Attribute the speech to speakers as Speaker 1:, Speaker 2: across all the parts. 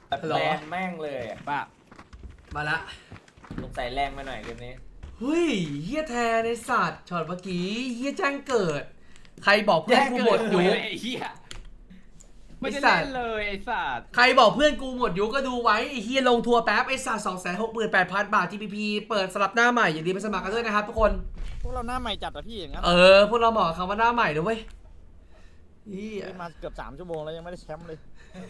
Speaker 1: แบบแรงแม่งเลย
Speaker 2: ป้า
Speaker 3: มาละ
Speaker 1: สงสัยแรงไปหน่อยเกมนี้
Speaker 3: เฮ้ยเฮียแทในสัตว์ช็อตเมื่อกี้เฮียแจ้งเกิดใครบอกเพื่อนกูหมดยุค
Speaker 2: ไอ้เหี้ยไม่ได้เล่นเลยไอ้สัตว์
Speaker 3: ใครบอกเพื่อนกูหมดยุคก็ดูไว้ไอ้เฮียลงทัวร์แป๊บไอ้สัตว์268,000 บาท TPP เปิดสลับหน้าใหม่อย่าลืมไปสมัครกันด้วยนะครับทุกคน
Speaker 4: พวกเราหน้าใหม่จัดอะพี่อย่างนั้น
Speaker 3: พวกเราบอกคำว่าหน้าใหม่ด้วย
Speaker 4: มาเกือบ3 ชั่วโมงแล้วยังไม่ได้แชมป์เลย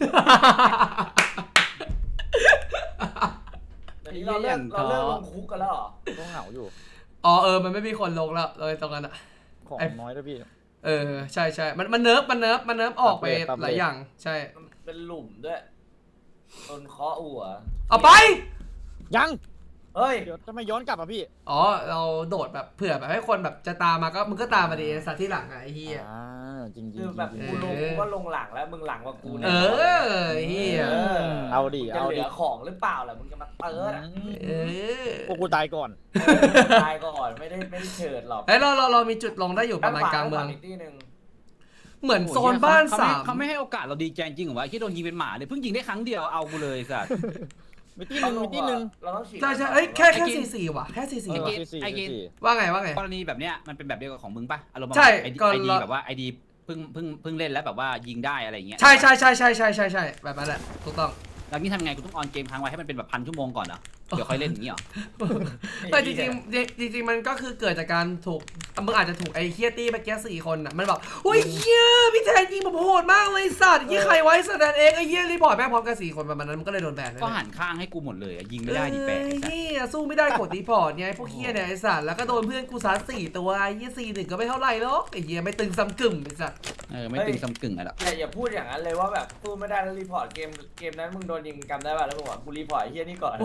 Speaker 1: เราเลิกลงคุกกันแล้วเหรอ
Speaker 4: ต้องเหงาอยู่
Speaker 3: มันไม่มีคนลงแล้วเลยตรงนั้นอะ
Speaker 4: ของน้อยด้วยพี่
Speaker 3: ใช่มันเนิร์ฟออกไปหลายอย่างใช่
Speaker 1: เป็นหลุมด้วยโดนเคาะหัว
Speaker 3: เอาไป
Speaker 4: ยัง
Speaker 1: เฮ้ย
Speaker 4: เดี๋ยวจะไม่ย้อนกลับอ่ะพี่
Speaker 3: เราโดดแบบเผื่อแบบให้คนแบบจะตามมาก็มึงก็ตามมาดีสัตว์ที่หลังไอ้เหี้ย
Speaker 4: จริง
Speaker 1: คือแบบกูก็ลงหลังแล้วมึงหลังกว่ากู
Speaker 3: เนี่ยเหี้ย
Speaker 4: เอาดิ
Speaker 1: จะเหลือของหรือเปล่าล่ะมึงจะมาเติร์ด
Speaker 4: พวกกูตายก่อน
Speaker 1: ไม่ได้เฉิดหรอก
Speaker 3: เรามีจุดลงได้อยู่ประมาณกลางเมืองเหมือนโซนบ้าน3
Speaker 2: เขาไม่ให้โอกาสเราดีใจจริงเหรอวะที่โดนยิงเป็นหมาเลยเพิ่งยิงได้ครั้งเดียวเอากูเลยสัตว์
Speaker 4: มีที่หนึ่ง
Speaker 1: เราต้องฉีด
Speaker 3: ใช่แค่44ว่ะแค่44
Speaker 2: ไอเกน
Speaker 3: ว่าไง
Speaker 2: กรณีแบบเนี้ยมันเป็นแบบเดียวกับของมึงป่ะอารมณ์
Speaker 3: ใช่
Speaker 2: ไอดีแบบว่าไอดีเพิ่งเล่นแล้วแบบว่ายิงได้อะไรอย่างเงี้ย
Speaker 3: ใช่แบบนั้นแหละถูกต้อง
Speaker 2: แล้วนี่ทำไงกูต้องออนเกมค้างไว้ให้มันเป็นแบบ1,000 ชั่วโมงก่อนเหรอเดี๋ยวค่อยเล่นอย่างนี้เหรอ
Speaker 3: แต่จริงมันก็คือเกิดจากการถูกมึงอาจจะถูกไอ้เคียตี้เมื่อกี้4 คนอ่ะมันบอกโอ้ยเฮียพี่แทนยิงผมโหดมากเลยสัตว์ยี่ใครไว้แสดงเองไอ้เฮียรีพอร์ตแม่งพร้อมกัน4 คนประมาณนั้นมันก็เลยโดนแบน
Speaker 2: ก็หันข้างให้กูหมดเลยยิงไม่ได้ดิแปะ
Speaker 3: เฮียสู้ไม่ได้กดรีพอร์ตไงพวกเฮียเนี่ยไอ้สัตว์แล้วก็โดนเพื่อนกูซัด4 ตัวไอ้เฮีย4-1ก็ไม่เท่าไหร่หรอกไอ้เฮียไม่ตึงซ้ำกึ่มไอ้สัตว์
Speaker 2: ไม่ตึงซ้ำกึ่งอะไรหรอก
Speaker 1: อย่าพูดอย่างนั้นเลยว่าแบบสู้ไม่ได้แล้วรีพอร์ตเกมนั้นมึงโดนยิงกำได้ป่ะแล้วมึงบอกกูรีพอร์ตไอ้เฮียนี่ก่อน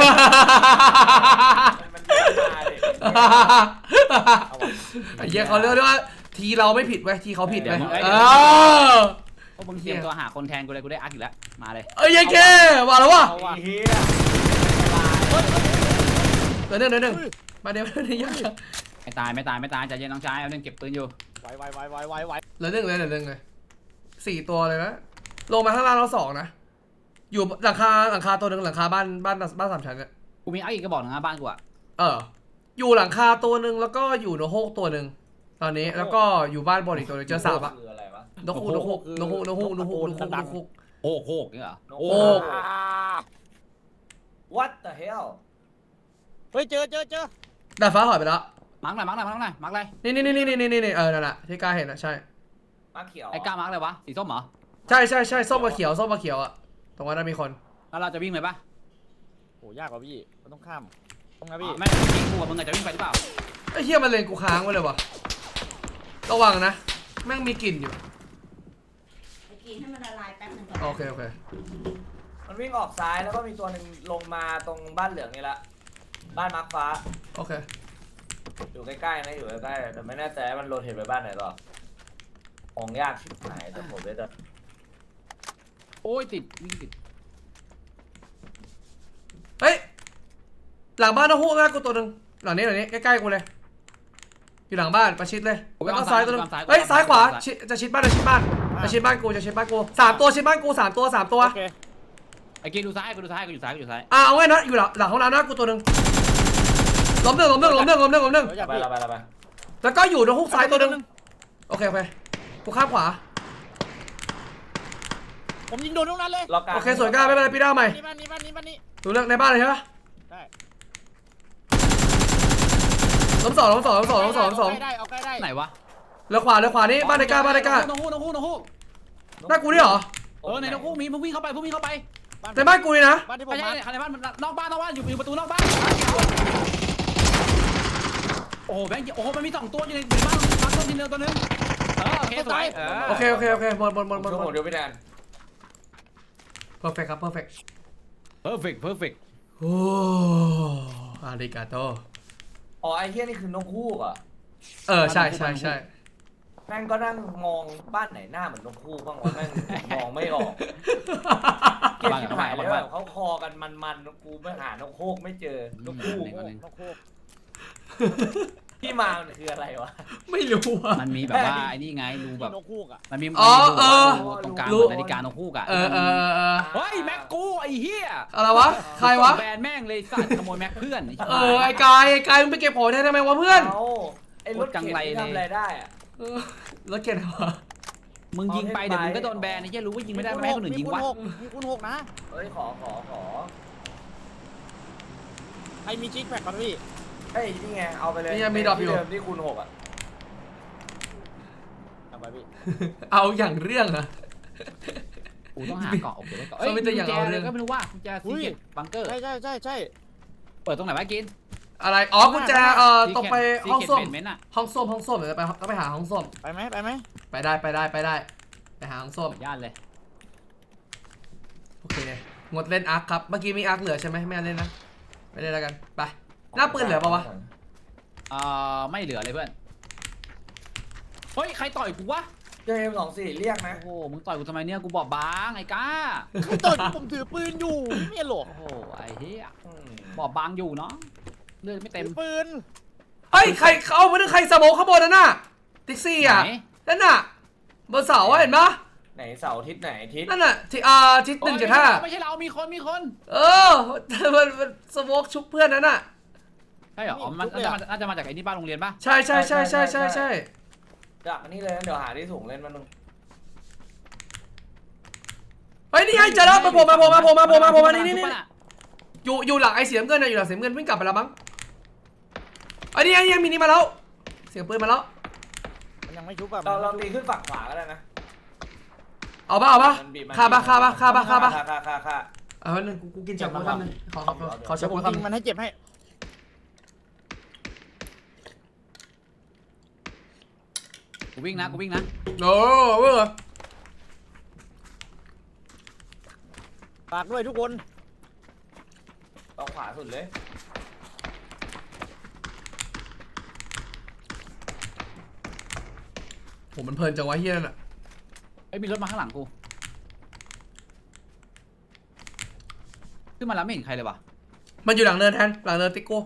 Speaker 1: มันมาเลย
Speaker 3: ไอ้เหี้ยเขาเรียกว่าทีเราไม่ผิดเว้ยทีเขาผิดเว้ย
Speaker 2: พวกมึงเตรียมตัวหาคนแทนกูเลยกูได้อักอีกแล้วมาเลย
Speaker 3: ยังแค่ว่าแล้ววะ
Speaker 1: เฮีย
Speaker 3: เดี๋ยวมาเดี๋ยวยัง
Speaker 2: ไม่ตายใจเย็นน้องชายเอาเรื่องเก็บปืนอยู่
Speaker 4: ไว
Speaker 3: เหลือหนึ่งเลย4 ตัวเลยนะลงมาข้างล่างเรา2นะอยู่หลังคาตัวหนึ่งหลังคาบ้าน3 ชั้นเนี่ย
Speaker 2: กูมีอักอีกกระบอกนะบ้านกูอะ
Speaker 3: อยู่หลังคาตัวหนึ่งแล้วก็อยู่โนโฮกตัวหนึ่งตอนนี้แล้วก็อยู่บ้านบนอีกตัวนึงเจอ3อะนกฮูกโ
Speaker 2: ฮกเนี่ยเหรอ
Speaker 1: What the hell
Speaker 4: เฮ้ยเจอ
Speaker 3: ดาดฟ้าหายไปแล้ว
Speaker 2: มาร์กหน่อยนี่
Speaker 3: นั่นแหละที่กล้าเห็นอะใช่
Speaker 1: มาร์กเขียว
Speaker 2: ไอ้กล้ามาร์กอะไรวะสีส้มเหรอ
Speaker 3: ใช่ส้มกับเขียวอะตรงนั้นมีคน
Speaker 2: แล้วเราจะวิ่งไปปะ
Speaker 4: โหยากกว่าพี่มันต้องข้ามตรงนั้นพี่
Speaker 2: ไม่ยิงกูกับมึงจะวิ่งไปหรือเปล่า
Speaker 3: ไอ้เหี้ยมันเลนกูค้างไว้เลยวะระวังนะแม่งมีกลิ่นอยู่
Speaker 5: กินให้มันละลายแป๊บนึงก่อน
Speaker 3: โอเค
Speaker 1: มันวิ่งออกซ้ายแล้วก็มีตัวหนึ่งลงมาตรงบ้านเหลืองนี่ละบ้านมาร์คฟ้า
Speaker 3: โอเค
Speaker 1: อยู่ใกล้ๆนะอยู่ใกล้ๆแต่ไม่แน่ใจมันโรเทตไปบ้านไหนต่อของยากชิบหายแต่ผมเลยจะ
Speaker 2: โอ้ยติด
Speaker 3: เฮ้ยหลังบ้านนกฮูกนะกูตัวหนึ่งหลังนี้ใกล้ๆกูเลยอยู่หลังบ้านประชิดเลยแล้วก็ซ้ายตัวนึงเฮ้ยซ้ายขวาจะชิดบ้านจะชิดบ้านกู3 ตัวชิดบ้านกู3 ตัว
Speaker 2: ไอ้เกดูซ้ายกูอยู่ซ้าย
Speaker 3: เอาไว้นะอยู่หลังห้องน้ำนะกูตัวหนึ่งล้มหนึ่ง
Speaker 1: ไป
Speaker 3: แล้วก็อยู่นกฮูกซ้ายตัวหนึ่งโอเคกูข้ามขวา
Speaker 4: ผมยิงโดนตรงนั้นเลย
Speaker 3: โอเคสวยงามไม่เป็นไรพี่ดาวใหม่
Speaker 4: บ้านนี้
Speaker 3: ดูเรื่องในบ้านเลยใช่ปะ
Speaker 4: ได้
Speaker 3: ล้มสอง
Speaker 4: ได้
Speaker 2: ไหนวะ
Speaker 3: เลี้ยวขวานี่บ้านในก้า
Speaker 2: นกฮูก
Speaker 3: หน้ากูนี่เหรอ
Speaker 2: ในนกฮูกมีมึงวิ่งเข้าไป
Speaker 3: ในบ้านกูนี่นะ
Speaker 2: ไม่ใช่ในบ้านนอกบ้านอยู่ประตูนอกบ้านโอ้แบงค์โอ้มันมี2 ตัวอยู่ในบ้านตัวนึงโอเคสวย
Speaker 3: โอเคหมด
Speaker 1: เดี๋ยวพี่แดน
Speaker 3: perfect ครับ perfect โอ้อาริกาโต
Speaker 1: ไอ้เหี้ยนี่คือนกฮูกอ่ะ
Speaker 3: ใช่
Speaker 1: แม่งก็นั่งมองบ้านไหนหน้าเหมือนนกฮูกบ้างวะแม่งมองไม่ออกเก็บชิบหายเลยแบบเขาคอกันมันกูไม่หานกฮูกไม่เจอนกฮูกที่มามันคืออะไรวะ
Speaker 3: ไม่รู้อ่ะ
Speaker 2: มันมีแบบว่าไอ้นี่ไงรูแบบ
Speaker 4: นกฮูกอ่ะ
Speaker 2: มันมีตรงกลางนาฬิกานกฮูกอ่ะเฮ้ยแม็กกูไอ้ไอ้เหี้ย
Speaker 3: อะไรวะใครวะ
Speaker 2: แบนแม่งเลยสัตว์ขโมยแม็กเพื่อน
Speaker 3: ไอ้กายมึงไปเก็บของแทนทำไมวะเพื่อน
Speaker 1: เอาไอ้รถเข็นที่ทำอะไรได้อะ
Speaker 3: รถเก็บวะ
Speaker 2: มึงยิงไปเดี๋ยวมึงก็โดนแบนไอ้เหี้ยรู้ว่ายิงไม่ได้ไม่ให้คนอื่นยิงวะ
Speaker 4: มีคูณ 6นะ
Speaker 1: เฮ้ยขอ
Speaker 4: ใครมีจิ๊กแพคครับพี่
Speaker 1: เฮ้ยนี่ไงเอาไปเลย
Speaker 3: นี่ยังมีดรอปอยู่
Speaker 1: ที่เดิมที่คูณ 6อ่ะ
Speaker 4: เอาไปพี่
Speaker 3: เอาอย่างเรื่องอะ
Speaker 2: กูต้องหาเกาะโอเคได้เกาะ
Speaker 3: เขาไม่ได้อย่างเอาเรื่อง
Speaker 2: ก็ไม่รู้ว่ากุญแจซีเกตบังเกอร์
Speaker 4: ใช่
Speaker 2: เปิดตรงไหนวะกิน
Speaker 3: อะไรกุญแจตกไปห้องส้วม
Speaker 2: เมนต์อะ
Speaker 3: ห้องส้วมเดี๋ยวไปหาห้องส้วม
Speaker 4: ไปไหม
Speaker 3: ไปได้ไปหาห้องส้วม
Speaker 2: ย่านเลย
Speaker 3: โอเคงดเล่นอาร์คครับเมื่อกี้มีอาร์คเหลือใช่ไหมไม่เล่นนะไม่เล่นแล้วกันไปหน้าปืนเหลือปะวะ
Speaker 2: ไม่เหลือเลยเพื่อนเฮ้ยใครต่อยกูวะ
Speaker 1: เจอ M24 เรียกนะ
Speaker 2: โอ้โหมึงต่อยกูทำไมเนี่ยกูบอบบางไอ้ก้า
Speaker 4: ไม่ตื่นผมถือปืนอยู่ไม่หรอก
Speaker 2: โอ้โหไอ้เหี้ย
Speaker 1: อืม
Speaker 2: บอบบางอยู่เนาะเลือดไม่เต็ม
Speaker 4: ถือปืน
Speaker 3: เฮ้ยใครเขาเอามาดึงใครสโมกข้างบนนั่นน่ะติ๊กซี่อ่ะ
Speaker 2: ไหน
Speaker 3: นั่นน่ะบนเสาเห็นปะ
Speaker 1: ไหนเสาร์อาทิตย์ไหนอาทิตย์
Speaker 3: นั่นน่ะที่ทิศ1.5
Speaker 2: ไม่ใช่เรามีคน
Speaker 3: เออมันสโมกชุบเพื่อนนั่นน่ะ
Speaker 2: ใช่เหรออ๋อมันน่าจะมาจากไอ้นี่บ้านโรงเรียนป่ะ
Speaker 3: ใช่
Speaker 1: ด
Speaker 3: ใช่
Speaker 1: ักอันนี้เลยเดี๋ยวหาที่สูงเล่นมันนึง
Speaker 3: เฮ้ยนี่ไงเจอแล้วมาโผล่มานี่อยู่หลังไอ้เสียงเงินนะอยู่หลังเสียงเงินวิ่งกลับไปแล้วมั้งไอ้นี่ยังมีนี่มาแล้วเสียงปืนมาแล้ว
Speaker 4: มันยังไม่ชุบอ่ะ
Speaker 1: เราตีขึ้นฝั่งขวาก็ได้นะ
Speaker 3: เอาปะฆ่าปะ
Speaker 1: ฆ่า
Speaker 3: เอาหนึ่งกูกินจับมือคำนึงขอ
Speaker 4: เดี๋
Speaker 3: จั
Speaker 4: ย
Speaker 3: บ
Speaker 4: วผ
Speaker 3: มื
Speaker 4: ม
Speaker 3: อ
Speaker 4: ยิง
Speaker 3: คำ
Speaker 4: มันให้เจ็บให้
Speaker 2: กูวิ่งนะ
Speaker 3: โอ้เว้ย
Speaker 4: ฝากด้วยทุกคน
Speaker 1: เอาขวาสุดเลย
Speaker 3: ผมมันเพลินจังวะเฮียนั่นอ่ะ
Speaker 2: ไอ้มีรถมาข้างหลังกูขึ้นมาแล้วไม่เห็นใครเลยว่ะ
Speaker 3: มันอยู่หลังเนินแทนหลังเนินติ๊กโก้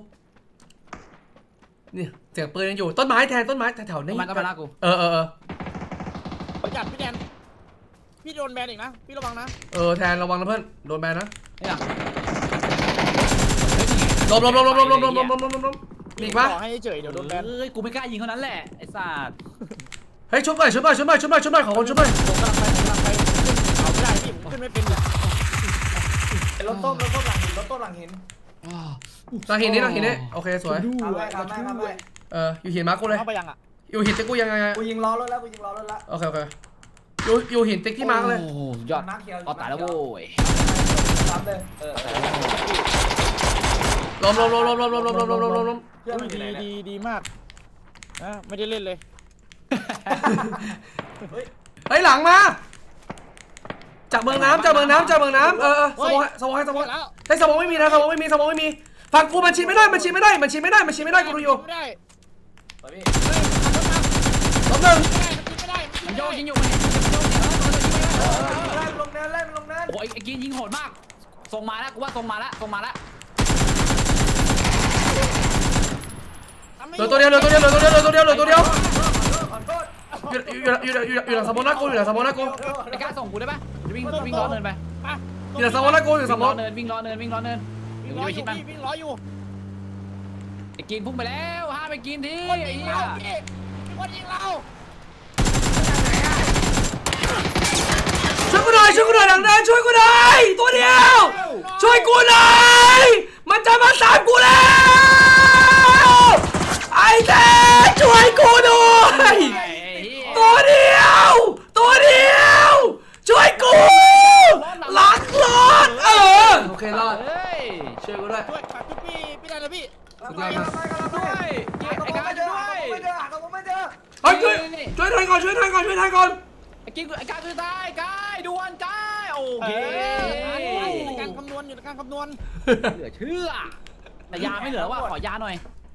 Speaker 3: นี่เสียงปืนยังอยู่ต้นไม้แทนต้นไม้แถวๆนี้
Speaker 2: มันก็มาลากกู
Speaker 3: เออ
Speaker 4: ประจัดพี่แดนพี่โดนแบนอีกนะพี่ระวังนะ
Speaker 3: แทนระวังนะเพื่อนโดนแบนนะ
Speaker 2: เนี่ย
Speaker 3: ลมมีอีกปะ
Speaker 4: ขอให้เฉยเดี๋ยวโดนแบน
Speaker 2: เอ้ยกูไม่กล้ายิงเท่านั้นแหละไอ้สัตว์
Speaker 3: เฮ้ยชุบหน่อยขอคนชุบหน่อย
Speaker 4: ผมกำลังไปเอาไม่ได้พี่ผมขึ้นไม่เป็นเลย
Speaker 1: รถต้มหลังหินหลังหิน
Speaker 3: หลังหินนี่โอเคสวย
Speaker 1: ทำไว้
Speaker 3: อยู่หินมาร์กกูเลย
Speaker 4: เข้าไปยังอ่ะ
Speaker 3: อยู่หินติ๊กกูยังไง
Speaker 1: กูยิงล้อรถแล้ว
Speaker 3: โอเคอยู่หินติ๊กที่มาร์กเลย
Speaker 2: โอ้โหยอด
Speaker 1: มาร์คเขียว
Speaker 2: เอาตายแล้วโว้ย
Speaker 1: ซ้ำเลย
Speaker 3: ลม
Speaker 1: เพื่อนมันอยู่ไหนเนี่ย
Speaker 4: ดีมากไม่ได้เล่นเลย
Speaker 3: เฮ้ยหลังมาจากเมืองน้ำสมองให้สมองเฮ้ยสมองไม่มีนะสมองไม่มีฝั่งกูมันชินไม่ได้กูดูอยู่
Speaker 4: ไม่ได้
Speaker 1: ไปพี่
Speaker 3: ล้มหนึ่ง
Speaker 4: ไม่ได้
Speaker 2: มันโยกยิงอยู่มัน
Speaker 1: เล่นลงเนิน
Speaker 2: โอ้ยไอ้กินยิงโหดมากส่งมาแล้วกูว่าส่งมาแล้ว
Speaker 3: เหลือตัวเดียว
Speaker 1: ขอโทษ
Speaker 3: อยู่หลังสมองนะกู
Speaker 2: ไอ้กล้าส่งกูได้ปะวิ่งล้อเนินไป
Speaker 3: อยู่หลังสมองนะกูอยู่สมอง
Speaker 2: วิ่งล้อเนิน
Speaker 4: วิ่งร้อยอยู่
Speaker 2: ไอ้กินพุ่งไปแล้วห้าไปกินที
Speaker 4: คน
Speaker 2: ไอ้
Speaker 4: ยิง
Speaker 2: เหี้ย
Speaker 4: เราพี่คนยิงเรา
Speaker 3: ช่วยกูหน่อยหลังเดินช่วยกูหน่อยตัวเดียวช่วยกูหน่อยมันจะมาสามกูแล้วไอ้เต้ช่วยกูด้วยตัวเดียวช่วยกูหลังรถโอเครอด
Speaker 2: เฮ้ย
Speaker 3: ช่วยกูด้วย
Speaker 4: ช่วยฝากพี่ได้เลยพี่
Speaker 2: ด้วยไอ้กล้าด้วย
Speaker 1: ไม่เจอ
Speaker 3: เฮ้ยช่วยแทนก่อน
Speaker 2: ไอ้กินไอ้กล้าคือตายกายด่วนกายโอเค
Speaker 4: อยู่ในการคำนวณ
Speaker 2: เหลือเชื่อแต่ยาไม่เหลือว่ะขอยาหน่อย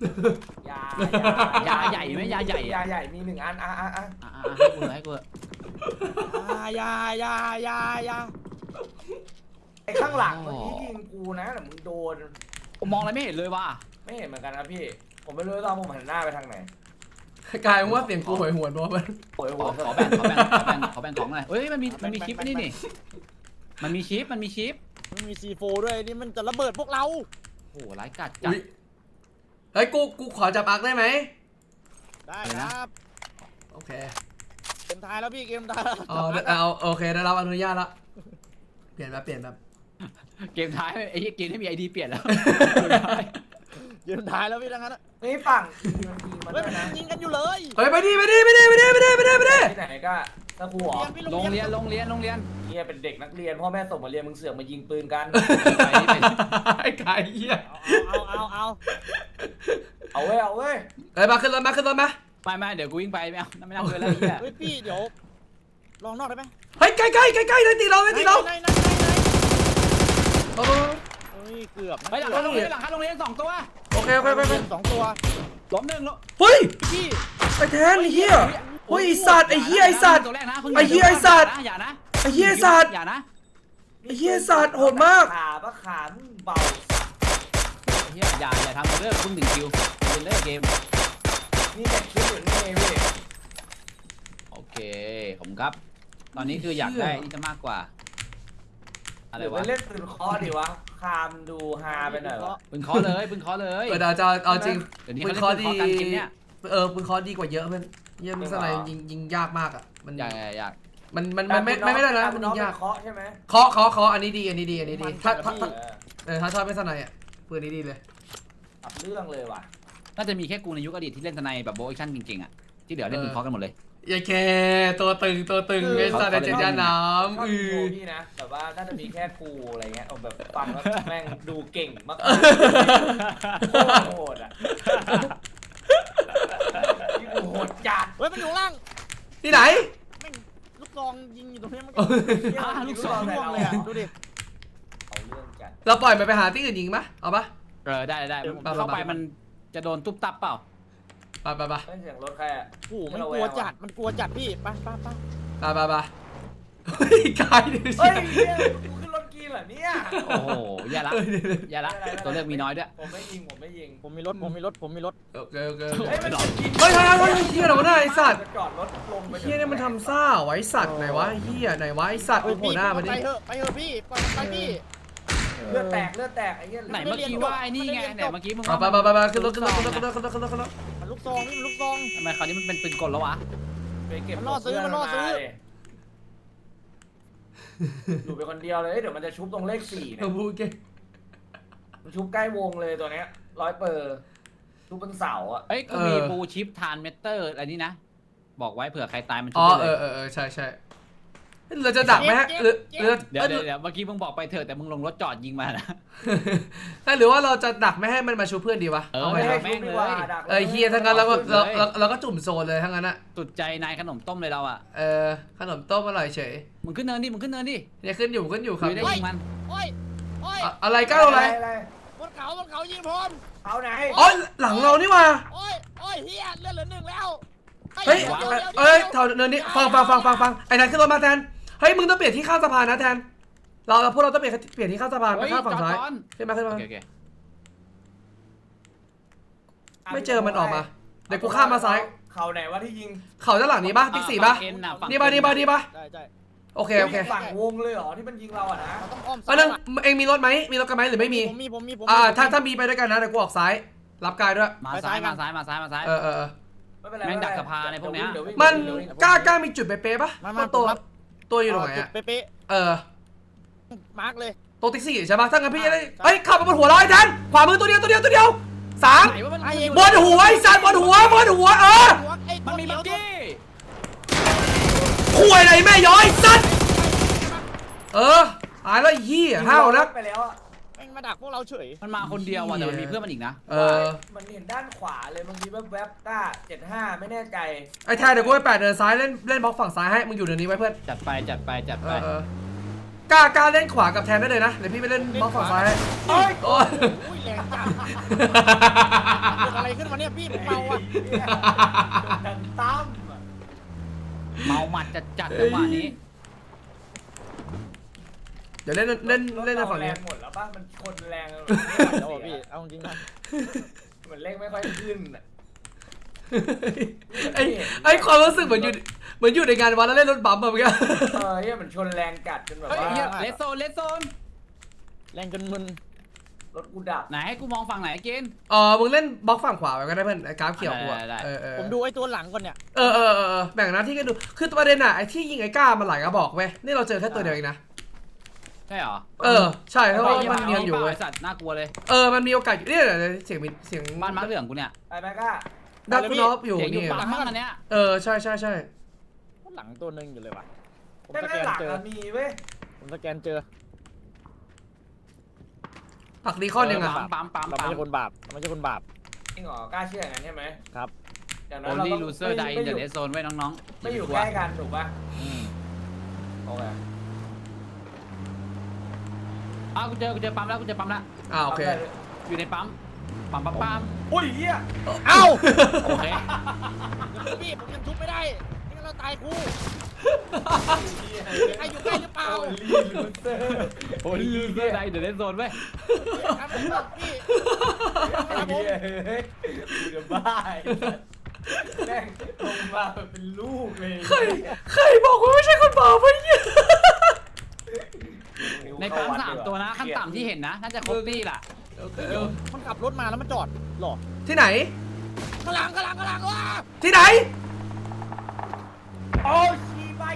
Speaker 2: ยาใหญ่ไหมยาใหญ่
Speaker 1: ยาใหญ่มี1 อัน
Speaker 2: ให้กู
Speaker 4: ยา
Speaker 1: ไอ้ข้างหลังเมื่อกี้ยิงกูนะแต่มึงโดน
Speaker 2: ผมมองอะไรไม่เห็นเลยว่ะ
Speaker 1: ไม่เห็นเหมือนกันนะพี่ผมไม่รู้ตอนผมหันหน้าไปทางไหน
Speaker 3: กายว่าเสียงกูหวยหวนบอมัน
Speaker 1: โอย
Speaker 2: ขอแบ่งของหน่อยเฮ้ยมันมีชิปนี่มันมีชิป
Speaker 4: มันมี C4 ด้วยนี่มันจะระเบิดพวกเรา
Speaker 2: โอ้โหร้ายกาจจัด
Speaker 3: อุ๊ยเฮ้ยกูขอจับอักได้ไหม
Speaker 4: ได้ครับ
Speaker 3: โอเค
Speaker 4: เกมท้ายแล้วพี่เกมท้ายแล้ว
Speaker 3: เอาโอเคได้รับอนุญาตละเปลี่ยนแบบ
Speaker 2: เกมท้ายไอ้เกมที่มีไอดีเปลี่ยนแล้ว
Speaker 4: เกมท้ายแล้วพี่ทั้งนั้นอะ
Speaker 1: นี่ฝั่งมันยิงมา
Speaker 4: เฮ้
Speaker 1: ด้วย ย
Speaker 4: มัน
Speaker 1: นะ
Speaker 4: ยิงกันอยู่เลย
Speaker 3: เฮ้ยไปดิ
Speaker 1: ที่ไหนก็ตะกูหรอ
Speaker 4: พี่
Speaker 2: โรงเรียน
Speaker 1: เฮียเป็นเด็กนักเรียนพ่อแม่ส่งมาเรียนมึงเสือกมายิงปืนกัน
Speaker 2: ไปนี่เป็น
Speaker 3: ไอ้ไก่เหี้ย
Speaker 1: เอาเว้ยเอาเว้ย
Speaker 3: เฮ้ยมาขึ้นรถมา
Speaker 2: ไม่เดี๋ยวกูวิ่งไปไม่เอาไม่นั่งเลยแล้วไอ้เหี้ย
Speaker 4: เฮ้ยพี่เดี๋ยวลองนอกได้ไหม
Speaker 3: เฮ้ยใกล้ได้ตีเรา
Speaker 4: ไหน
Speaker 3: โอ้
Speaker 4: เฮ้ยเกือบนะ
Speaker 2: ไปหลังคาโรงเรียน2 ตัว
Speaker 3: โอเค
Speaker 4: สองตัว
Speaker 2: ล้มหนึ่งล้ม
Speaker 3: เฮ้ย
Speaker 4: พี่
Speaker 3: ไอ้แทนไอ้เหี้ยเฮ้ยไอ้สัตว์ไอ้เหี้ยไอ้สัตว์
Speaker 2: ตัวแรกนะ
Speaker 3: ไอ้เหี้ยไอ้สัตว์
Speaker 2: อย่านะ
Speaker 3: ไอ้เหี้ยไอ้สัตว์
Speaker 2: อย่านะ
Speaker 3: ไอ้เหี้ยสัตว์โหดมาก
Speaker 1: ขาเบา
Speaker 2: เหี้ยอย่าทำเรื่องเพิ่ง1 คิวเป็นเลิกเกม
Speaker 1: นี่แต่คิดอยู่นี่เว้ย
Speaker 2: โอเคผมครับ ตอนนี้คืออยากได้นี่จะมากกว่าอะไร
Speaker 1: เดี๋ยว
Speaker 2: วะ
Speaker 1: ไปเล่นปืนเคอดีวะคามดูฮาไปหน่อยวะ
Speaker 2: ปืนเคอเลยปืนเคอเลย
Speaker 3: เปิดจะเอาจริง
Speaker 2: เดี๋ยวนี้
Speaker 3: ปื
Speaker 2: เขา
Speaker 3: น
Speaker 2: เล่น
Speaker 3: คอ
Speaker 2: ปืน
Speaker 3: ดี
Speaker 2: เคอกันเกมเนี้ย
Speaker 3: ปืนคอดีกว่าเยอะเพื่อนเยี่ยมสไนยิงยากมากอ่ะมัน
Speaker 2: อยาก
Speaker 3: มันไม่ได้นะมันยิงยาก
Speaker 1: เคาะใช่ไหม
Speaker 3: เคาะอันนี้ดีถ้าถ้าชอบเป็นสไนอ่ะปืนนี้ดีเลย
Speaker 1: ตับเรื่องเลยว่ะ
Speaker 2: น่าจะมีแค่กูในยุคอดีตที่เล่นทนายแบบโบว์แอคชั่นเก่งๆอ่ะที่เหลือเล่นปืนเคอกันหมดเลย
Speaker 3: อย่าแค่ตัวตึงไอ้สัตว์ในเจ็ดยาน้ำ
Speaker 1: ชอบดูพี่นะแต่ว่าน่าจะมีแค่กูอะไรเงี้ยเอาแบบฟังแล้วแม่งดูเก่งมากโคตรโหดอ่ะที่กูโหดจัด
Speaker 4: เฮ้ยมันอยู่ข้างล่าง
Speaker 3: ที่ไหน
Speaker 4: แม่งลูกซองยิงอยู่ตรงนี้มัน
Speaker 1: ลูกซอง
Speaker 4: ร่วงเลยอ่ะดูดิ
Speaker 1: เอาเรื่องจัด
Speaker 3: เราปล่อยมันไปหาที่อื่นยิงปะเอาปะ
Speaker 2: ได้เข้าไปมันจะโดนตุ๊บตับเปล่า
Speaker 3: ไป
Speaker 1: เฮ้ยเสียงรถใครอ่ะ
Speaker 4: โอ้โหมันกลัวจัดมันกลัวจัดพี่ไป
Speaker 3: เฮ้ยกายดิ
Speaker 1: เฮ้ยเนี่ยกูขึ้นรถกีนเหรอเนี่ย
Speaker 2: โอ้โหอย่าละตัวเลือกมีน้อยด้วย
Speaker 1: ผมไม่ยิง
Speaker 4: ผมมีรถ
Speaker 3: โอเค
Speaker 1: เฮ้ยมันจะกิน
Speaker 3: เฮ้ยเฮียเราหน้าไอสัตว์
Speaker 1: จะจอดรถลงไป
Speaker 3: เฮียเนี่ยมันทำซ่าไว้สัตว์ไหนวะเฮียไหนวะไอสัตว์โอ้โหหน้ามัน
Speaker 4: ไป
Speaker 3: นี่
Speaker 4: เถอะพี่ปล่อยไปพี่
Speaker 1: เลือดแตกไอ้เหี้ย
Speaker 2: ไหนเมื่อกี้ว่าไอ้นี่ไงไหนเมื่อกี้มึง
Speaker 3: ไปขึ้นรถ
Speaker 4: มันลูกซองนี่มันลูกซอง
Speaker 2: ทำไมคราวนี้มันเป็นปืนกลแล้ววะ
Speaker 1: ไปเก็บ
Speaker 4: มันล่อซื้อ
Speaker 1: อยู่ไปคนเดียวเลยเดี๋ยวมันจะชุบตรงเลข4เนี่ย
Speaker 3: พูดเก่ง
Speaker 1: มันชุบใกล้วงเลยตัวเนี้ย100%ชุบบนเสาอ่ะ
Speaker 2: เอ้ยกูมีบูชิปทานเมเตอร์อะไรนี่นะบอกไว้เผื่อใครตายมันชุ
Speaker 3: อ๋
Speaker 2: บ
Speaker 3: อ
Speaker 2: ได้เลย
Speaker 3: ใช่เราจะดักไหมฮะหรือ
Speaker 2: เดี๋ยวเมื่อกี้มึงบอกไปเถอะแต่มึงลงรถจอดยิงมานะ
Speaker 3: หรือว่าเราจะดักไม่ให้มันมาชูเพื่อนดีวะ
Speaker 1: ไม่ให้ชุบดีกว่าดัก
Speaker 3: เฮียทั้งนั้นเราก็จุ่มโซนเลยทั้งนั้นอะ
Speaker 2: สุดใจนายขนมต้มเลยเราอ่ะ
Speaker 3: ขนมต้มอร่อยเฉย
Speaker 2: มึงขึ้นเนินดิ
Speaker 3: เนี่ยขึ้นอยู่ครับ
Speaker 2: ไม่ได้ยิงมัน
Speaker 4: โอ้ย
Speaker 3: อะไรก้าวอะไร
Speaker 4: บนเขายิงผม
Speaker 1: เอาไหน
Speaker 3: อ๋อหลังเรานี่มา
Speaker 4: โอ้ยเฮียเลือดเหลือ1แล้ว
Speaker 3: เฮ้ยแถวเนินนี้ฟังไอ้นันขึ้นรถมาแทนเฮ้ยมึงต้องเปลี่ยนที่ข้ามสะพานนะแทนพวกเราต้องเปลี่ยนที่ข้ามสะพานไปข้ามฝั่งซ้ายขึ้นมา
Speaker 2: โอเค
Speaker 3: ไม่เจอมันออกมาเดี๋ยวกูข้ามมาซ้าย
Speaker 1: เขาไหนวะที่ยิง
Speaker 3: เขาด้านหลังนี้ปะติ๊กสี่ปะนี่ปะ
Speaker 4: ใช่
Speaker 3: โอเค
Speaker 1: ฝั่งวงเลยเหรอที่มันยิงเราอ่ะนะ
Speaker 4: เราต้องอ้อม
Speaker 3: อันนึงเองมีรถไหมมีรถกันไหมหรือไม่มี
Speaker 4: ผมมี
Speaker 3: ถ้ามีไปด้วยกันนะเดี๋ยวกูออกซ้ายรับกายด้วย
Speaker 2: มาซ้าย
Speaker 3: ไม่เป็นไร
Speaker 2: แม่งดักสภาในพวกเนี้ย
Speaker 3: มันกล้ามีจุดเป๊ะปะตัวอยู่ตรงไหนอะ
Speaker 4: เป๊ะมาร์กเลย
Speaker 3: ตัวติ๊กซี่ใช่ปะถ้างั้นพี่เฮ้ยขับมาบนหัวเราไอ้แทนขวามือตัวเดียว3บนหัวไอ้สัตว์บนหัว
Speaker 2: มันมีบักกี้
Speaker 3: คุยอะไรแม่ย้อยสัตว์ตายแล้วยี่ห้าวนะ
Speaker 1: ไปแล้วอ่ะ
Speaker 4: แม่งมาดักพวกเราเฉย
Speaker 2: มันมาคนเดียวว่ะแต่มันมีเพื่อนมันอีกนะ
Speaker 1: มันเห็นด้านขวาเลยบางทีแวบๆก้า75ไม่แน่ใจ
Speaker 3: ไอ้แทนเดี๋ยวกูไป8เดินซ้ายเล่นบล็อกฝั่งซ้ายให้มึงอยู่เดี๋ยวนี้ไว้เพื่อน
Speaker 2: จัดไป
Speaker 3: กล้าเล่นขวากับแทนได้เลยนะเดี๋ยวพี่ไปเล่นบล็อกฝั่งซ้ายให้
Speaker 1: โอ้ย
Speaker 3: โอ้ย
Speaker 4: อุ้ยแรงจังเกิดอะไรขึ้นมาเนี่ยพี่เมาอ่ะ
Speaker 1: ดังตั้ม
Speaker 2: เมาหมัดจัดจังหวะนี้
Speaker 3: เดี๋ยวเล่นในฝั่งนี้
Speaker 1: แรงหมดแล้วป่ะมันคนแรง
Speaker 4: เดี๋ยวพี่เอาจริงนะ
Speaker 1: เหมือนเร่งไม่ค่อยขึ้น
Speaker 3: ไอ้ความรู้สึกเหมือนอยู่ในงานวัดแล้วเล่นรถบัมป์แบบเมื่อกี้
Speaker 1: เนี่ยมันชนแรงกัดจนแบบ
Speaker 2: เฮ้ย
Speaker 1: ว่า
Speaker 2: เลสโซน
Speaker 4: แรงจนมึน
Speaker 1: รถกูดับ
Speaker 2: ไหนให้กูมองฝั่งไหนกิน
Speaker 3: มึงเล่นบล็อกฝั่งขวาไปก็ได้เพื่อนไอ้กราฟเขียวกูอะ
Speaker 2: ได้
Speaker 4: ผมดูไอ้ตัวหลังก่อนเนี่ย
Speaker 3: แบ่งหน้าที่กันดูคือประเด็นอะไอ้ที่ยิงไอ้ก้ามันหลายกระบอกเว้ยนี่เราเจอแค่ตัวเดียวเองนะ
Speaker 2: ใช่เหรอ
Speaker 3: ใช่เพราะว่ามันเนียนอยู่
Speaker 2: ไอ้
Speaker 3: เว้ย
Speaker 2: สัตว์น่ากลัวเลย
Speaker 3: มันมีโอกาสอยู่เนี่ยเสียง
Speaker 2: บ้านม้าเหลืองกูเนี่ย
Speaker 1: ไปไปก้า
Speaker 3: ดักกูน็อปอยู่
Speaker 2: เสียงอยู่
Speaker 3: นี่
Speaker 2: ปั๊มมั้งอันเนี้ย
Speaker 3: ใช่
Speaker 4: ตัวหลังตัวหนึงอยู่เลยว่ะผม
Speaker 1: ไม่
Speaker 4: ส
Speaker 1: ไม่
Speaker 4: แกน
Speaker 1: หลัง
Speaker 4: เจอ
Speaker 1: อะมีเว้ย
Speaker 4: ผมสแกนเจอ
Speaker 3: ปักดีคอนยังไง
Speaker 2: ปั๊ม
Speaker 4: เราไม่ใช่คนบาปเราไม่ใช่คนบาป
Speaker 1: จริงเหรอกล้าเชื่ออย่างนั้นใช่ไหม
Speaker 4: ครับ
Speaker 1: อย่าง
Speaker 2: โอ
Speaker 1: นั้นเรา
Speaker 2: ลี่
Speaker 1: ต้อง
Speaker 2: ลูเซอร์ไดอินเดอะเรสโซนไว้น้องๆ
Speaker 1: ไม่อยู่ใกล้กันถูกป่ะ
Speaker 2: อืม
Speaker 1: โอเค
Speaker 2: กูเจอปั๊มแล้วกูเจอปั๊มแล้ว
Speaker 3: โอเค
Speaker 2: อยู่ในปั๊มปั๊ม
Speaker 1: อุ้ยเหี้ย
Speaker 4: เอ้า
Speaker 2: โอเค
Speaker 4: พี่ผมยังทุบไม่ได้ไม่งั้นเราตายคู่ใครอยู่ใกล้หรือเปล่า
Speaker 1: โอลี่ลูเซอร์
Speaker 2: โอลี่ลูเซอร์ไดอินเดอะเรสโซนไว้
Speaker 4: ครับผมพี่
Speaker 1: ครับผมกูจะบ้าแม่งลงมาแบบเป็นลูกเลย
Speaker 3: ใครบอกว่าไม่ใช่คนบาปวะเนี่ย
Speaker 2: ในปั๊ม3ตัวนะขั้นต่ำที่เห็นนะน่าจะครบตี้ล่ะ
Speaker 4: มันขับรถมาแล้วมันจอดหรอ
Speaker 3: ที่ไหน
Speaker 4: กำลังว้า
Speaker 3: ที่ไหน
Speaker 1: โอ้ชีไป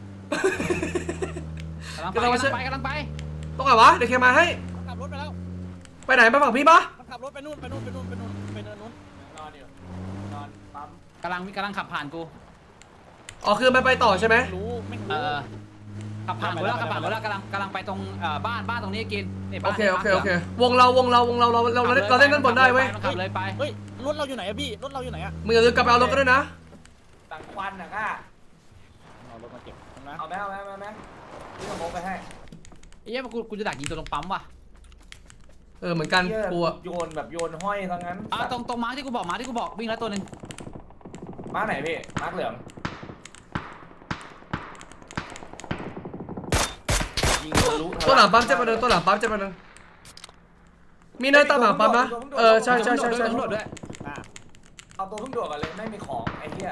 Speaker 2: กำลังไป
Speaker 3: ตรงไหนวะเดี๋ยวเคมาให้
Speaker 4: มันขับรถไปแล้ว
Speaker 3: ไปไหนไปฝั่งพี่ปะ
Speaker 4: มันขับรถไปนู่นไปเนินนู้น
Speaker 1: นอนอยู่นอนปั๊ม
Speaker 2: กำลังขับผ่านกู
Speaker 3: คือมันไปต่อใช่ไหม
Speaker 4: ไม่
Speaker 2: เอ
Speaker 4: รู้
Speaker 2: อขับผ่านกูแล้วกำลังไปตรงบ้านตรงนี้กินนี่
Speaker 3: โอ
Speaker 2: บ้าน
Speaker 3: เควงเราเล่นด้านบนได้เว้ย
Speaker 2: ขับเลยไป
Speaker 4: เฮ้ยรถเราอยู่ไหนอะพี่รถเราอยู่ไหนอะ
Speaker 3: มึงอย่าลืมกลับไปเอารถกันด้วยนะ
Speaker 1: ตังควันนะก้า
Speaker 4: เอารถมาเก็บนะ
Speaker 1: เอาไหมพี่สมองไปให้
Speaker 2: เอ้ยกูจะดักยิงตัวตรงปั๊มว่ะ
Speaker 3: เหมือนกันกูอะ
Speaker 1: โยนแบบโยนห้อยทั้งนั้น
Speaker 2: ตรงม้าที่กูบอกวิ่งแล้วตัวนึง
Speaker 1: มาไหนพี่มาเหลืองยิงทะลุ
Speaker 3: ตัวหลังปั๊มเจ็บไปหนึ่งมีเนินตามหลังปั๊มนะใช่
Speaker 2: ตำรวจด้วย
Speaker 1: เอาตัวเพิ่งโดดกันเลยไม่มีของไอ้เหี้ย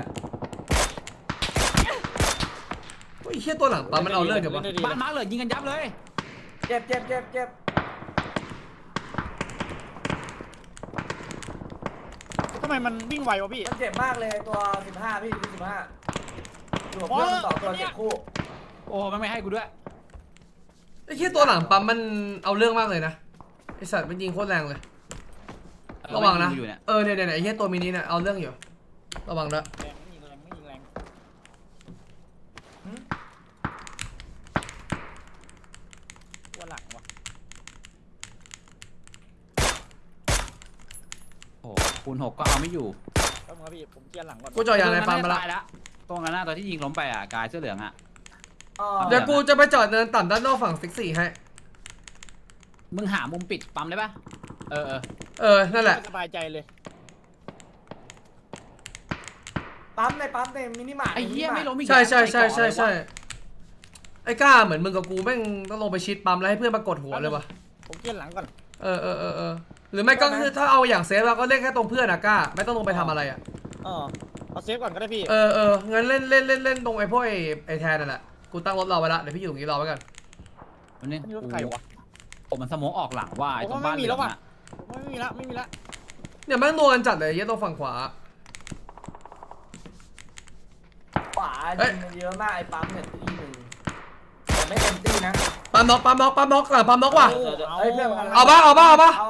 Speaker 3: ไอ้เหี้ยตัวหลังปั๊มมันเอาเรื่องเดี๋ยววะ
Speaker 2: บ้านม้าเหลือยิงกันยับเลย
Speaker 1: เจ็บ
Speaker 4: ทำไมมันวิ่งไววะพี่
Speaker 1: มันเจ็บมากเลยตัว15พี่15อยู่กับเพื่อนสองตัวเจ็บคู่
Speaker 2: โอ้ไม่ให้กูด้วย
Speaker 3: ไอ้เหี้ยตัวหลังปั๊มมันเอาเรื่องมากเลยนะไอสัตว์มันยิงโคตรแรงเลย ระวังนะ
Speaker 2: เนี่ย
Speaker 3: เนี่ยไอ้เหี้ยตัวมินิเนี่ยเอาเรื่องอยู่ระวังด้วย
Speaker 4: แรงไม่ยิงแรงว่าหลังวะ
Speaker 2: โอ้คูณ6ก็เอาไม่อยู่
Speaker 4: ต้องครับพี่ผมเคลียร์หลังก่อน
Speaker 3: กูจอยางในปั๊มมาละ
Speaker 2: แล้วตรงนั้นตัวที่ยิงล้มไปกายเสื้อเหลือง
Speaker 1: 哦
Speaker 3: เดี๋ยวกูจะไปจอดเนินต่ำด้านนอกฝั่งซิกซี่ให้
Speaker 2: มึงหามุมปิดปั๊มได้ปะ
Speaker 3: นั่นแหละ
Speaker 4: สบายใจเลย
Speaker 1: ปั๊มในมินิมาร์ท
Speaker 2: ไอ้เหี้ยไม่ล้มอีก
Speaker 3: ใช่ไอ้ก้าเหมือนมึงกับกูแม่งต้องลงไปชิดปั๊มแล้วให้เพื่อนมากดหัวเลยวะ
Speaker 4: ผมเคลียร์หลังก่อน
Speaker 3: หรือไม่ก็คือถ้าเอาอย่างเซฟเราก็เล่นแค่ตรงเพื่อนอะก้าไม่ต้องลงไปทำอะไรอะ
Speaker 4: เอาเซฟก่อนก็ได้พี่
Speaker 3: งั้นเล่นตรงไอ้พวกไอ้แทนนั่นแหละกูตั้งรถรอไว้ละเดี๋ยวพี่อยู่ตรงนี้รอไว้กัน
Speaker 2: มันนี่
Speaker 4: นี่รถใครวะ
Speaker 2: ผมมันสมองออกหลังว่าตรงบ้านเหลือง
Speaker 4: ไม่มีละ
Speaker 3: เนี่ยแม่งนัวกันจัดเลยเหี้ยตรงฝั่งขวา
Speaker 1: ขวายิงเยอะมากไอ้ปั๊มเนี่ยตีหนึ่งแต่ไม่เต็มตีนะ
Speaker 3: ปั๊มน็อกหลังปั๊มน็อกว่ะ
Speaker 1: เฮ้ยเพื่อน
Speaker 3: เอาปะ
Speaker 1: เอา
Speaker 3: มา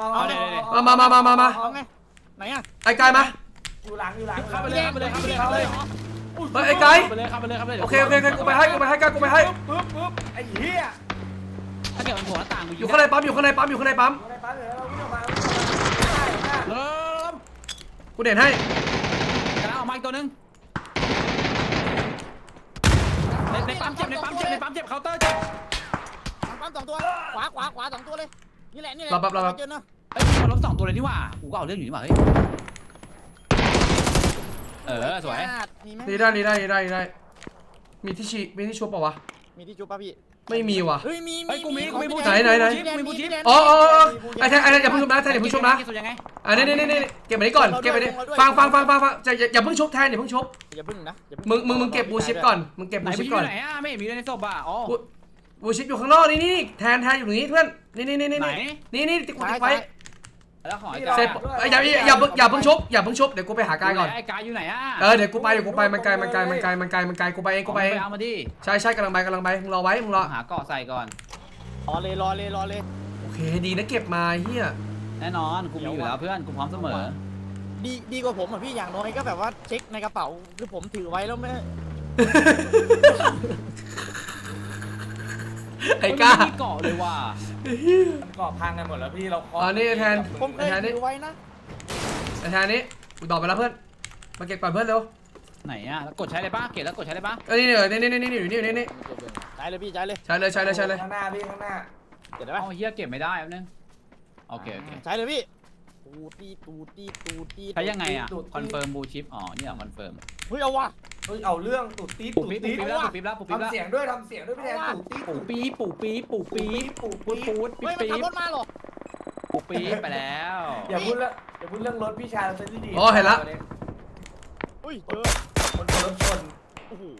Speaker 4: เอาไงไหนอะ
Speaker 3: ไอ้กายมา
Speaker 1: อยู่หลัง
Speaker 2: เข้าไปเลย
Speaker 3: ไอ้กาย
Speaker 2: เข้าไปเลย
Speaker 3: โอเคกูไปให้กูไปให้
Speaker 1: ปึ๊บไอ้เหี้ย
Speaker 2: ถ้าเกิดมันโผล่หน้าต่างกู
Speaker 3: อยู่ข้างในปั๊ม
Speaker 1: อยู่ในปั๊มเดี๋ยวเราวิ่งออกมา
Speaker 2: เริ่ม
Speaker 3: กูเด่นให้
Speaker 2: กระออกมาอีกตัวนึงในปั๊มเจ็บเคาน์เตอร์เจ็บ
Speaker 4: ปั๊ม2ตัวขวา2ตัวเลยนี่แหละเจอเนาะ
Speaker 2: เฮ้ยมันล้ม2ตัวเลยนี่หว่ากูก็เอาเรื่องอยู่นี่หว่าเฮ้ยสวย
Speaker 3: ดีได้มีที่ชุบเปล่าวะ
Speaker 4: มีที่จุ๊บป่ะพี่
Speaker 3: ไม่มีว่ะ
Speaker 4: เฮ้ยมี
Speaker 2: มีบู
Speaker 3: ไหน
Speaker 2: มีบูชิป
Speaker 3: อ๋อไอ้แทนอย่าเพิ่งชุบนะอย่าเพิ่งชุบนะนี่เก็บไปนี้ก่อนฟังอย่าเพิ่งชุบแทนอย่าเพิ่งชุบ
Speaker 4: อย่าพึ่งนะ
Speaker 3: มึงเก็บบูชิปก่อนมึงเก็บ
Speaker 2: ไหน
Speaker 3: บูชิ
Speaker 2: บู
Speaker 3: ป
Speaker 2: ชิป
Speaker 3: ก่อน
Speaker 2: ไหนไม่เห็นมีเลยในศพอ่ะอ๋อ
Speaker 3: บูชิปอยู่ข้างนอกนี่แทนอยู่ตรงนี้เพื่อนนี่ติ๊กไว้
Speaker 2: แล้วของไอ้
Speaker 3: เสร็จอย่าเพิ่งชุบเดี๋ยวกูไปหากายก่อน
Speaker 2: ไอ้กายอยู่ไหนอ่ะ
Speaker 3: เดี๋ยวกูไปมันไกลกูไปเอง
Speaker 2: เอามาดิ
Speaker 3: ใช่กำลังไปมึงรอไว้มึงรอ
Speaker 2: หาเกาะใส่ก่อน
Speaker 4: รอเลย
Speaker 3: โอเคดีนะเก็บมาเฮีย
Speaker 2: แน่นอนกูมีอยู่แล้วเพื่อนกูพร้อมเสมอ
Speaker 4: ดีกว่าผมอ่ะพี่อย่างน้อยก็แบบว่าเช็คในกระเป๋าคือผมถือไว้แล้วไม่
Speaker 3: ไอ้ก้า
Speaker 2: ไม่มีเกาะเลยว่ะ
Speaker 1: มันก่อพังกันหมดแล้วพี่เราเคาะ
Speaker 3: อ๋อนี่แทน
Speaker 4: ผมเคยถือไว้นะ
Speaker 3: ไอ้แทนนี้กูตอบไปแล้วเพื่อนมาเก็บก่อนเพื่อนเร็ว
Speaker 2: ไหนอ่ะแล้วกดใช้เลยป่ะเกตแล้วกดใช้เลยป่ะ
Speaker 3: นี่อยู่นี่
Speaker 4: ใช้เลยพี่ใช้เลย
Speaker 3: ใช่เลย
Speaker 1: ข้างหน้าพี่ข้างหน้า
Speaker 4: เก็บได้ไหม
Speaker 2: เอาเฮียเก็บไม่ได้แป๊บนึงโอเค
Speaker 4: ใช้เลยพี่ตูตี
Speaker 2: ใช้ยังไงอ่ะคอนเฟิร์มบูชิปอ๋อนี่เหรอคอนเฟิร์ม
Speaker 4: เฮ้ยเอาว่ะ
Speaker 1: เฮ้ยเอาเรื่องตุดตี
Speaker 2: ปุ๊บ
Speaker 1: ตุด
Speaker 2: ปี๊บ
Speaker 1: ตี
Speaker 2: ปี๊บแล้วปุ๊บปี๊บแล้วปุ๊บปี๊บแล้ว
Speaker 1: ทำเสียงด้วยพี่แทนตุดตี
Speaker 2: ปุ๊บปี๊บปุ๊บปี๊บปุ๊บปี๊บ
Speaker 1: ปู
Speaker 2: ปุ๊บ
Speaker 1: ปี๊
Speaker 2: ปุ๊บ
Speaker 4: เฮ้ยมัน
Speaker 2: ปี๊
Speaker 4: ขับบ รถมาหรอ
Speaker 2: ปุ๊บปี๊บไปแล้ว
Speaker 1: อย่าพูดเรื่องรถพี่ชายเราจะดี
Speaker 3: อ๋อเห็นละ
Speaker 4: อุ้ยเจอ
Speaker 1: คนรถชน
Speaker 4: โอ้โห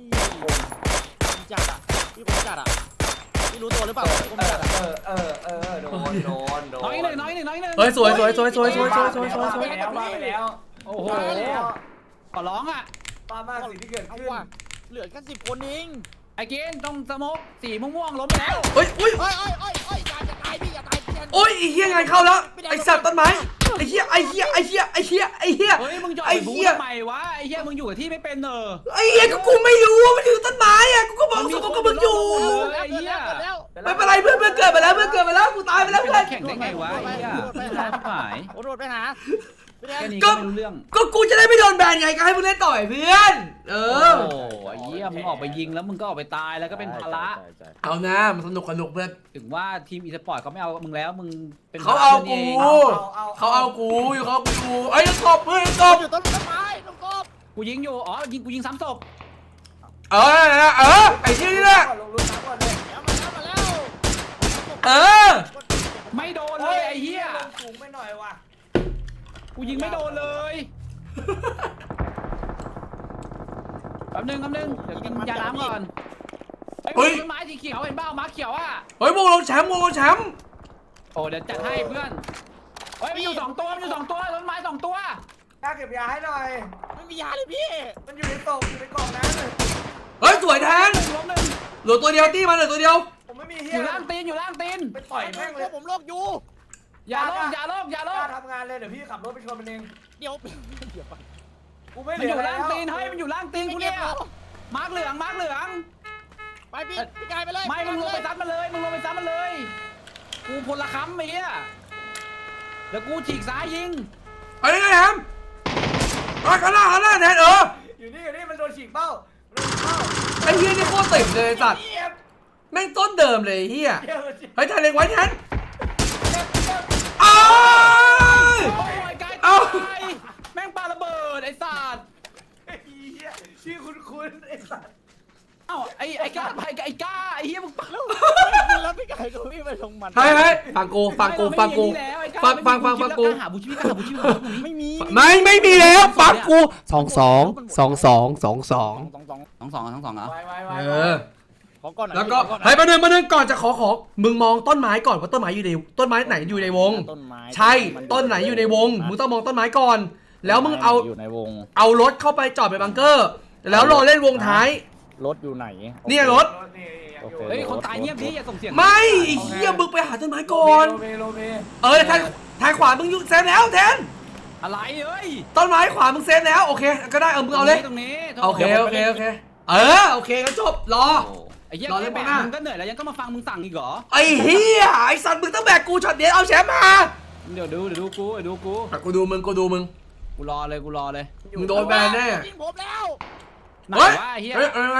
Speaker 4: จัดอ่ะพี่ผมจัดอ่ะพี่รู้ตัวหรือเปล่าผมจัดอ่ะ
Speaker 1: โดน
Speaker 2: น้อยหนึ่ง
Speaker 3: เฮ้ยสวย
Speaker 1: ไปแล้ว
Speaker 2: โอ้โหขอร้องอ่ะ
Speaker 1: ป้ามากสิ่งที่เกิด
Speaker 4: เอา
Speaker 1: ขึ้น
Speaker 4: ว่ะเหลือแค่10 คนเอง
Speaker 2: ไอ้เกณฑ์ต้องสโมกสีม่วงๆล้มไปแล้ว
Speaker 3: เฮ้ย
Speaker 4: เฮ้ยอย่าตายพี่อย่าตาย
Speaker 3: โอ้ยไอ้เหี้ยงานเข้าแล้วไอ้สัตว์ต้นไม้ไอ้เหี้ย
Speaker 2: เฮ้ยมึงจะออกไปบู๊ทำไมวะไอ้เหี้ยมึงอยู่กับที่ไม่เป็นเนอะ
Speaker 3: ไอ้เหี้ยก็กูไม่รู้ว่ามันอยู่ต้นไม้อะกูก็มองสุกก็มึงอยู่ ไม่เป็นไรเพื่อนเกิดไปแล้วกูตายไปแล้วเพื่อน
Speaker 2: แข่งได้ไงวะไอ้เหี้ยร้ายหาย
Speaker 4: โอ้โดดไปหา
Speaker 2: แค่นี้ก็ไม่รู้เรื่อง
Speaker 3: ก็กูจะได้ไม่โดนแบนไงก็ให้มึงเล่นต่อยเพื่อน
Speaker 2: โอ้ไอ้เหี้ยมึงออกไปยิงแล้วมึงก็ออกไปตายแล้วก็เป็นภาระ
Speaker 3: เอานะมันสนุกเพื่อน
Speaker 2: ถึงว่าทีมอีสปอร์ตเขาไม่เอามึงแล้วมึงเป็น
Speaker 3: เขาเอากู
Speaker 2: เขาเอา
Speaker 3: ไอ้ตบเพื่อนตบ
Speaker 4: อยู่ต้นไม้ต้นกบ
Speaker 2: กูยิงอยู่อ๋อกูยิงซ้ำศพ
Speaker 3: ไอ้ที่นี่แหละ
Speaker 1: ลงรุ่นน้ำก่อนเลย
Speaker 4: มาแล้ว
Speaker 2: ไม่โดนเลยไอ้เหี้ย
Speaker 1: ลงสูงไปหน่อยว่ะ
Speaker 2: กูยิงไม่โดนเลยแป๊บนึงเดี๋ยวกินยาน้ำก่อนเฮ้ยต้นไม้สีเขียวเห็นเปล่าม้าเขียวอ่ะ
Speaker 3: เฮ้ยวงลงแชมป์
Speaker 2: โอ้เดี๋ยวจัดให้เพื่อนเฮ้ยมันอยู่2 ตัวต้นไม้2 ตัว
Speaker 1: กล้าเก็บยาให้หน่อย
Speaker 4: ไม่มียาเลยพี่
Speaker 1: มันอยู่ในกล่องนั้น
Speaker 3: เฮ้ยสวยแทน
Speaker 2: ล้มหนึ่ง
Speaker 3: เหลือตัวเดียวตี้มันเหลือตัวเดียว
Speaker 1: ผมไม่มี
Speaker 2: อ
Speaker 1: เฮีย
Speaker 2: ยู่ล่างตีน
Speaker 1: ไปต่อยแม่งเลย
Speaker 4: ผมโรคอยู่
Speaker 2: อย่าโลก
Speaker 1: กล้าทำงานเลยเดี๋ยวพี่ขับรถไปชนมันเอง
Speaker 4: เดี๋ยว
Speaker 1: กูไม่
Speaker 2: มัน
Speaker 1: เหลื
Speaker 2: อ
Speaker 1: อยู่ แล้
Speaker 2: ล่าง
Speaker 1: ว
Speaker 2: ตีนเฮ้ยมันอยู่ล่างตีนกูเนี่ยมาร์กเหลือง
Speaker 4: ไปพี่กายไปเลย
Speaker 2: ไม่มึงลงไปซัดมันเลยกูพลค้ำไอ้เหี้ยแล้วกูฉีกซ้ายยิง
Speaker 3: ไอ้ไงแฮมข้างหน้าแทน
Speaker 1: อยู่นี่มันโดนฉีกเป้า
Speaker 3: ไอ้เฮียนี่โคตรติดเลยสัตว์แม่งต้นเดิมเลยเฮียเฮ้ยแทนเล็งไว้แทนอ้าว
Speaker 2: โอ้ยไกลตายแม่งปาระเบิดไอ้สัตว์
Speaker 1: ชื่อคุ้นไอ้สัตว์
Speaker 2: เอ้าไอ้ก้าไอ้เหี้ยมึงปา
Speaker 4: แล้วพี่กายก็วิ่งไปลงมัน
Speaker 3: เฮ้ยฟังกูฟังกู
Speaker 2: หาบูชิพี่
Speaker 4: ไม่มี
Speaker 3: ไม่มีแล้วฟังกู22
Speaker 1: ไว้
Speaker 4: ขอก่อน
Speaker 3: แล้วก็เฮ้ยมาหนึ่งก่อนจะขอมึงมองต้นไม้ก่อนว่าต้นไม้อยู่ในต้นไม้ไหนอยู่ในวง
Speaker 4: ต้นไม้
Speaker 3: ใช่ต้นไหนอยู่ในวงมึงต้องมองต้นไม้ก่อน แล้วมึงเอา
Speaker 4: อยู่ในวง
Speaker 3: เอารถเข้าไปจอดในบังเกอร์ แล้วรอเล่นวงท้าย
Speaker 4: รถอยู่ไหน
Speaker 3: เนี่ยรถ
Speaker 2: เฮ้ยคนตายเงียบดิอย่าส่งเสียง
Speaker 3: ไม่ไอ้เฮียมึงไปหาต้นไม้ก่อน
Speaker 1: โลเม
Speaker 3: ทางขวามึงอยู่เซฟแล้วแทน
Speaker 2: อะไรเอ้ย
Speaker 3: ต้นไม้ขวามึงเซฟแล้วโอเคก็ได้มึงเอาเลย
Speaker 2: ตรงนี้
Speaker 3: โอเคโอเคก็จบรอ
Speaker 2: ไอ้เหี้ย
Speaker 3: รอเล่นไปหน้า
Speaker 2: มึงก็เหนื่อยแล้วยังก็มาฟังมึงสั่งอีกเหรอ
Speaker 3: ไอ้เฮียไอ้สัตว์มึงต้องแบกกูช็อตเดียวเอาแชมป์มา
Speaker 2: เดี๋ยวดูกู
Speaker 3: กูดูมึง
Speaker 2: กูรอเลย
Speaker 3: มึงโดนแบนแน่
Speaker 4: ยิงผมแล้ว
Speaker 2: ไหน
Speaker 3: เฮ้ยว
Speaker 2: ะไอ้เหี้ย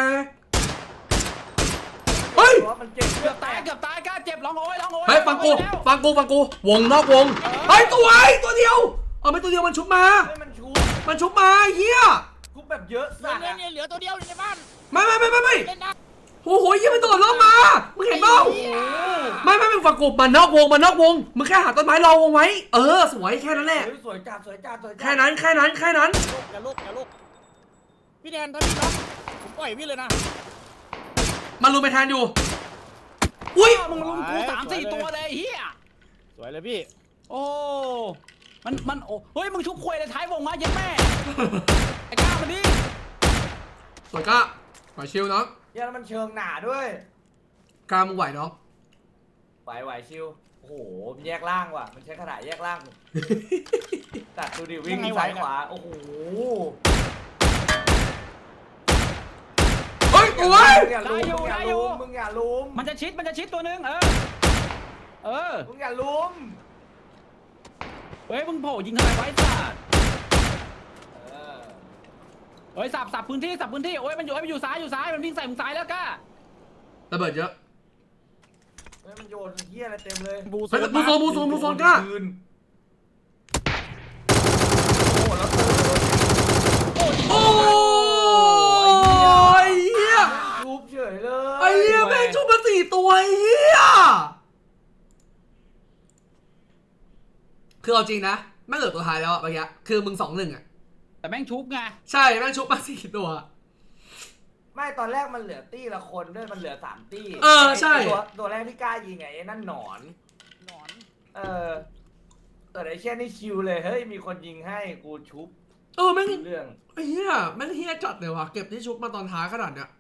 Speaker 3: เฮ้ย
Speaker 1: มันเจ็บ
Speaker 2: เกือบตายกล้าเจ็บร้องโอย
Speaker 3: เฮ้ยฟังกูวงนอกวงเฮ้ยตัวเดียวไม่ตัวเดียวมันชุบมา
Speaker 1: มันชู
Speaker 3: มันชุบมาเฮีย
Speaker 1: กูแบบเยอะ
Speaker 4: เห
Speaker 1: สัตว์
Speaker 4: ลือตัวเดียวในบ้าน
Speaker 3: ไม่
Speaker 4: เล่นนะ
Speaker 3: โอ้โหยี่มันโดดลงมามึงเห็นเปล่าไม่มึงฟังกูมันนอกวงมึงแค่หาต้นไม้รอวงไว้สวยแค่นั้นแหละ
Speaker 1: สวยจัด
Speaker 3: แค่นั้น
Speaker 4: อย่าลุกพี่แดนถ้าพี่น็อกผมปล่อยพี่เลยนะ
Speaker 3: มันลุมไปแทนอยู่อุ้ย
Speaker 2: มึงลุมกู3-4 ตัวเลยไอ้เฮีย
Speaker 4: สวยเลยพี่
Speaker 2: โอ้มันโอ้เฮ้ยมึงชุบควยเลยท้ายวงมาเย็นแม่ไอ้ก้ามาดิ
Speaker 3: สวยก้าไหวชิวน้อง
Speaker 1: เหี้ยแล้วมันเชิงหนาด้วย
Speaker 3: กล้ามึงไหวน้อง
Speaker 1: ไหวชิวโอ้โหมันแยกล่างว่ะมันใช้ขนาดแยกล่างตัดดูดิวิ่งซ้ายขวาโอ้โห
Speaker 3: เฮ้ยโอ้ย
Speaker 1: มึงอย่าลุมมึงอย่าลุม
Speaker 2: มันจะชิดตัวนึงเออ
Speaker 1: มึงอย่าลุม
Speaker 2: เฮ้ยมึงโผล่ยิงทำไมไว้สัตว์
Speaker 1: เออ
Speaker 2: เฮ้ยสับพื้นที่โอ้ยมันอยู่ซ้ายมันวิ่งใส่มึงซ้ายแล้วก้า
Speaker 3: ระเบิดเยอะ
Speaker 1: เฮ้ยมันโยนเหี้ยอะไรเต็มเลย
Speaker 4: บู
Speaker 3: เฮ้ย
Speaker 4: ซู
Speaker 3: บูโซนก้า
Speaker 1: คืนโอ้แล้วโอ้
Speaker 3: โอ้ยเหี้ย
Speaker 1: ทุบเฉยเลย
Speaker 3: ไอ้เหี้ยแม่งชุบมา4 ตัวไอ้เหี้ยคือเอาจริงนะแม่งเหลือตัวท้ายแล้วอะเมื่อกี้คือมึง2-1อะ
Speaker 2: แต่แม่งชุบไง
Speaker 3: ใช่แม่งชุบมา4 ตัว
Speaker 1: ไม่ตอนแรกมันเหลือตี้ละคนด้วยมันเหลือ3ตี้
Speaker 3: เออใช่
Speaker 1: ตัวแรกที่กล้ายิงไอ้นั่นหนอน
Speaker 4: หนอน
Speaker 1: แต่ไอ้เช่นนี่ชิวเลยเฮ้ยมีคนยิงให้กูชุบ
Speaker 3: แม่ง
Speaker 1: เรื่อง
Speaker 3: ไอ้เหี้ยแม่งเหี้ยจัดเลยว่ะเก็บที่ชุบมาตอนท้ายขนาดเนี้ย